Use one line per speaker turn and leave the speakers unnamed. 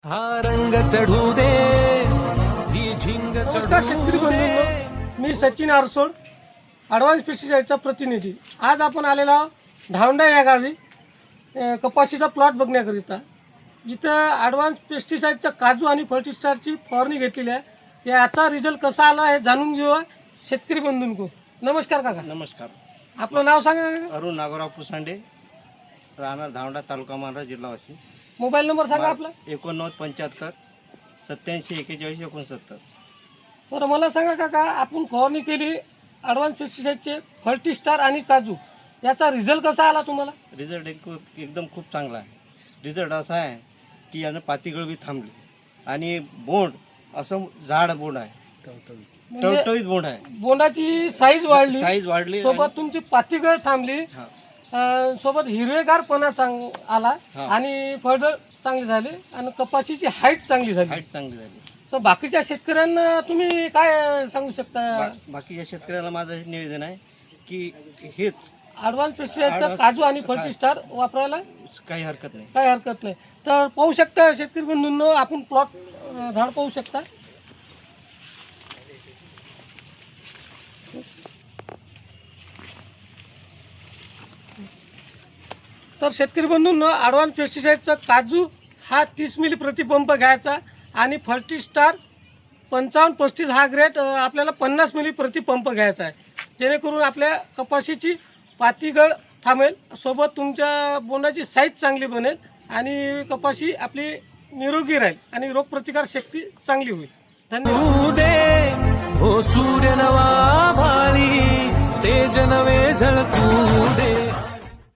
हा रंग चढू दे ही झिंग
नमस्कार शेतकरी बंधूंनो, मी सचिन आरसोड, ॲडव्हान्स पेस्टिसाईडचा प्रतिनिधी. आज आपण आलेलो आहोत धावंडा या गावी कपाशीचा प्लॉट बघण्याकरिता. इथं ॲडव्हान्स पेस्टिसाईडचा काजू आणि फर्टिस्टारची फवारणी घेतलेली आहे. याचा रिझल्ट कसा आला हे जाणून घेऊया शेतकरी बंधूंको. नमस्कार काका.
नमस्कार.
आपलं नाव सांगा काका.
अरुण नागोराव पुसांडे, राहणार धावंडा, तालुका मानरा, जिल्हा वाशिम.
मोबाईल नंबर सांगा आपला.
8975 87 41 69.
बरं मला सांगा काका, आपण फवारणी केली ॲडव्हान्स पेस्टिसाईडचे फर्टिस्टार आणि काजू, याचा रिझल्ट कसा आला तुम्हाला?
रिझल्ट एकदम खूप चांगला आहे. रिझल्ट असा आहे की यानं पातीगळ बी थांबली आणि बोंड असं झाड बोंड आहे,
म्हणजे
टवटवीत बोंड आहे.
बोंडाची साईज
साईज वाढली
सोबत तुमची पातीगळ थांबली,
हा.
सोबत हिरवेगारपणा आला
हा.
आणि फळ चांगली झाली आणि कपाशीची हाईट चांगली झाली.
हाईट चांगली झाली.
तर बाकीच्या शेतकऱ्यांना तुम्ही काय सांगू शकता?
बाकीच्या शेतकऱ्याला माझं निवेदन आहे की हेच
ॲडव्हान्स पेस्टिसाईडचा काजू आणि फर्टिस्टार वापरायला
काही हरकत नाही.
काही हरकत नाही. तर पाहू शकता शेतकरी बंधूंनो, आपण प्लॉट झाड पाहू शकता. तर शेतकरी बंधूंनो, ॲडव्हान्स पेस्टिसाईडचा काजू हा 30 मिली प्रतिपंप घ्यायचा आणि फर्टिस्टार 55-35 हा ग्रेड आपल्याला 50 मिली प्रतिपंप घ्यायचा आहे, जेणेकरून आपल्या कपाशीची पातीगळ थांबेल, सोबत तुमच्या बोंडाची साईज चांगली बनेल आणि कपाशी आपली निरोगी राहील आणि रोगप्रतिकार शक्ती चांगली होईल. धन्यवाद.
दे हो सूर्य नवा भारी तेज नवे झळकू दे.